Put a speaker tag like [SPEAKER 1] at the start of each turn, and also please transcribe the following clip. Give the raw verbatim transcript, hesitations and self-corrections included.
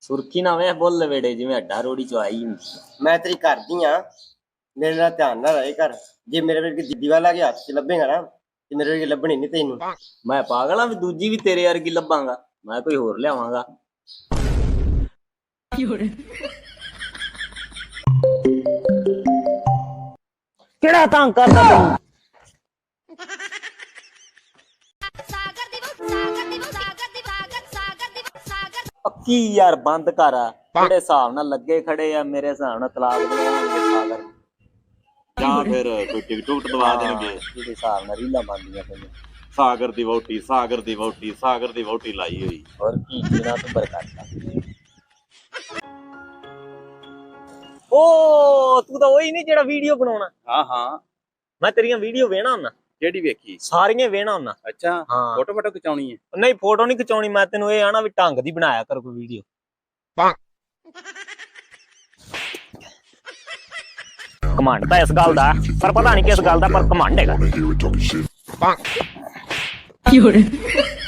[SPEAKER 1] ਸੁਰਖੀ ਨਾ ਵੇਖ ਬੁੱਲ ਵੇੜੇ ਜਿਵੇਂ ਅੱਡਾ ਰੋੜੀ ਚ ਆਈ ਹੁੰਦੀ।
[SPEAKER 2] ਮੈਂ ਤੇਰੀ ਕਰਦੀ ਆ, ਮੇਰੇ ਨਾਲ ਧਿਆਨ ਨਾਲ ਰਹੇ ਕਰ। ਜੇ ਮੇਰੇ ਵਰਗੀ ਦੀਦੀ ਵਾਲਾ ਕੇ ਹੱਥ ਚ ਲੱਭੇਗਾ ਨਾ ਤੇ ਮੇਰੇ ਵਰਗੀ ਲੱਭਣੀ ਨਹੀਂ ਤੈਨੂੰ।
[SPEAKER 1] ਮੈਂ ਪਾਗਲ ਆ ਵੀ ਦੂਜੀ ਵੀ ਤੇਰੇ ਵਰਗੀ ਲੱਭਾਂਗਾ, ਮੈਂ ਕੋਈ ਹੋਰ ਲਿਆਵਾਂਗਾ। ਕਿਹੜਾ ਤੰਗ ਕਰਦਾ ਤੈਨੂੰ? ਪੱਕੀ ਯਾਰ ਬੰਦ ਕਰ। ਜਿਹੜੇ ਹਿਸਾਬ ਨਾਲ ਲੱਗੇ ਖੜੇ ਆ ਮੇਰੇ ਹਿਸਾਬ ਨਾਲ ਤਲਾਕ ਦਵਾਉਣਗੇ ਸਾਗਰ
[SPEAKER 3] ਜਾਂ ਫਿਰ ਕੋਈ ਟਿਕਟੋਕ ਦਵਾ ਦੇਣਗੇ।
[SPEAKER 1] ਜਿਹੜੇ ਹਿਸਾਬ ਨਾਲ ਰੀਲਾਂ ਬਣਦੀਆਂ ਪਈਆਂ।
[SPEAKER 3] ਸਾਗਰ ਦੀ ਵਹੁਟੀ, ਸਾਗਰ ਦੀ ਵਹੁਟੀ, ਸਾਗਰ ਦੀ ਵਹੁਟੀ ਲਾਈ ਹੋਈ।
[SPEAKER 1] ਹੋਰ ਕੀ ਜਿਨਾ ਤੂੰ ਬਰਕਤ। ਓ ਤੂੰ ਤਾਂ ਉਹੀ ਨਹੀਂ ਜਿਹੜਾ ਵੀਡੀਓ ਬਣਾਉਣਾ।
[SPEAKER 3] ਹਾਂ ਹਾਂ,
[SPEAKER 1] ਮੈਂ ਤੇਰੀਆਂ ਵੀਡੀਓ ਵੇਖਣਾ ਹੁੰਦਾ।
[SPEAKER 3] ਕਿਹੜੀ ਵੇਖੀ?
[SPEAKER 1] ਸਾਰੀਆਂ ਵੇਖਣਾ ਹੁੰਦਾ।
[SPEAKER 3] ਅੱਛਾ,
[SPEAKER 1] ਹਾਂ
[SPEAKER 3] ਫੋਟੋ ਫੋਟੋ ਖਿਚਾਉਣੀ ਹੈ?
[SPEAKER 1] ਨਹੀਂ ਫੋਟੋ ਨਹੀਂ ਖਿਚਾਉਣੀ, ਮੈਂ ਤੈਨੂੰ ਇਹ ਆਣਾ ਵੀ ਢੰਗ ਦੀ ਬਣਾਇਆ ਕਰ ਕੋਈ ਵੀਡੀਓ। ਕਮਾਂਡ ਤਾਂ ਇਸ ਗੱਲ ਦਾ, ਪਰ ਪਤਾ ਨਹੀਂ ਕਿਸ ਗੱਲ ਦਾ, ਪਰ ਕਮਾਂਡ ਹੈਗਾ।